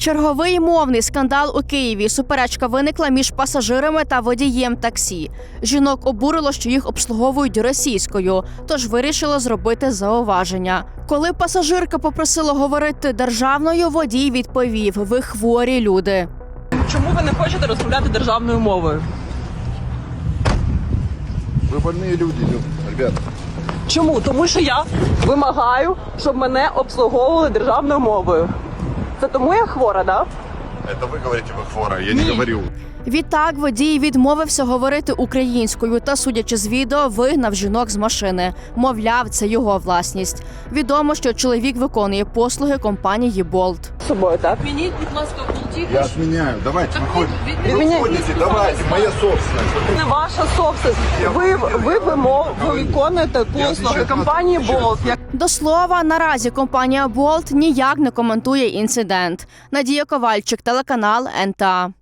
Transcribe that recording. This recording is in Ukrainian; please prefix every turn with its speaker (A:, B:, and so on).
A: Черговий мовний скандал у Києві. Суперечка виникла між пасажирами та водієм таксі. Жінок обурило, що їх обслуговують російською, тож вирішила зробити зауваження. Коли пасажирка попросила говорити державною, водій відповів: «Ви хворі люди».
B: Чому ви не хочете розмовляти державною мовою?
C: Ви больні люди, ребята.
B: Чому? Тому що я вимагаю, щоб мене обслуговували державною мовою. Це тому я хвора, так?
C: Это вы говорите, вы хвора, я не говорю.
A: Відтак водій відмовився говорити українською та, судячи з відео, вигнав жінок з машини. Мовляв, це його власність. Відомо, що чоловік виконує послуги компанії «Болт».
B: З собою, так?
D: Відмініть, будь ласка, болтів.
C: Я отменяю, давайте, выходите.
B: Відміняйте.
C: Выходите, давайте, моя собственность.
B: Не ваша собственность. Ви виконуєте послуги компанії «Болт».
A: До слова, наразі компанія «Болт» ніяк не коментує інцидент. Надія Ковальчик, телеканал НТА.